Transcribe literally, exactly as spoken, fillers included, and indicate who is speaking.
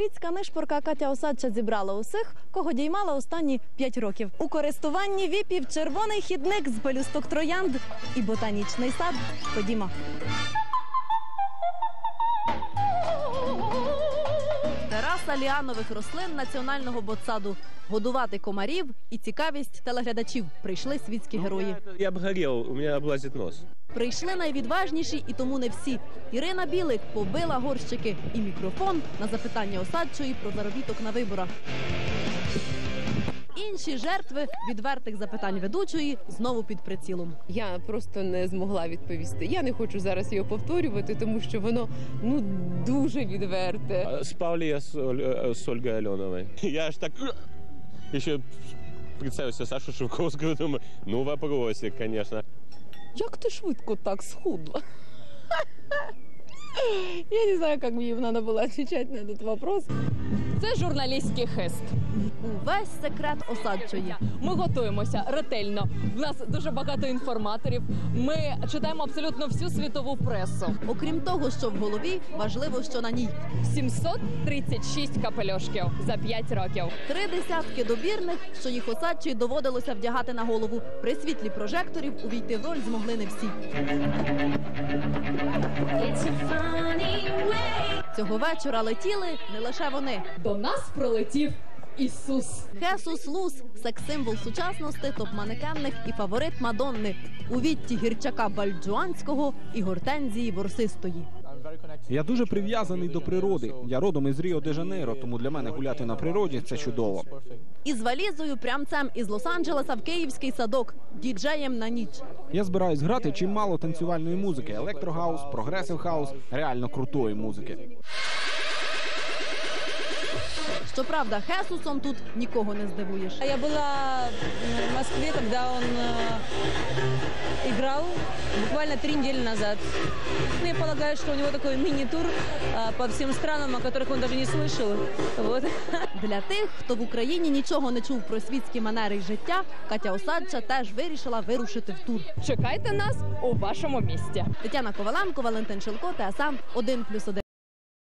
Speaker 1: Світська нишпорка Катя Осадча зібрала усіх, кого діймала останні п'ять років. У користуванні віпів червоний хідник з пелюсток троянд і ботанічний сад. Ходімо. Тераса ліанових рослин національного ботсаду. Годувати комарів і цікавість телеглядачів. Прийшли світські герої.
Speaker 2: Я обгорел, у меня облазит нос.
Speaker 1: Прийшли найвідважніші, і тому не всі. Ірина Білик побила горщики і мікрофон на запитання Осадчої про заробіток на виборах. Інші жертви відвертих запитань ведучої знову під прицілом.
Speaker 3: Я просто не змогла відповісти. Я не хочу зараз його повторювати, тому що воно ну дуже відверте.
Speaker 2: Спал ли я с, Оль- с Ольгой Аленовой? Я аж так еще представился Сашу Шевковского, думаю, ну вопросик, конечно.
Speaker 3: Як ти швидко так схудла? Я не знаю, як мені треба було відповідати на цей вопрос.
Speaker 4: Це журналістський хист.
Speaker 1: Увесь секрет Осадчої.
Speaker 4: Ми готуємося ретельно. В нас дуже багато інформаторів. Ми читаємо абсолютно всю світову пресу.
Speaker 1: Окрім того, що в голові, важливо, що на ній.
Speaker 4: сімсот тридцять шість капелюшків за п'ять років.
Speaker 1: Три десятки добірних, що їх Осадчій доводилося вдягати на голову. При світлі прожекторів увійти в роль змогли не всі. Цього вечора летіли не лише вони.
Speaker 4: До нас прилетів Ісус.
Speaker 1: Хесус Лус – секс-символ сучасності, топ-манекенних і фаворит Мадонни. У Вітті Гірчака Бальджуанського і Гортензії Ворсистої.
Speaker 5: Я дуже прив'язаний до природи. Я родом із Ріо-де-Жанейро, тому для мене гуляти на природі – це чудово.
Speaker 1: Із валізою прямцем із Лос-Анджелеса в Київський садок. Діджеєм на ніч.
Speaker 5: Я збираюсь грати чимало танцювальної музики, електрохаус, прогресив хаус, реально крутої музики.
Speaker 1: Щоправда, Хесусом тут нікого не здивуєш.
Speaker 6: Я была в Москве, когда он э, играл буквально три недели назад. Ну, я полагаю, что у него такой мини-тур э, по всем странам, о которых он даже не слышал. Вот.
Speaker 1: Для тих, хто в Україні нічого не чув про світські манери й життя, Катя Осадча теж вирішила вирушити в тур.
Speaker 4: Чекайте нас у вашому місті.
Speaker 1: Тетяна Коваленко, Валентин Шилко, ТСН один плюс один.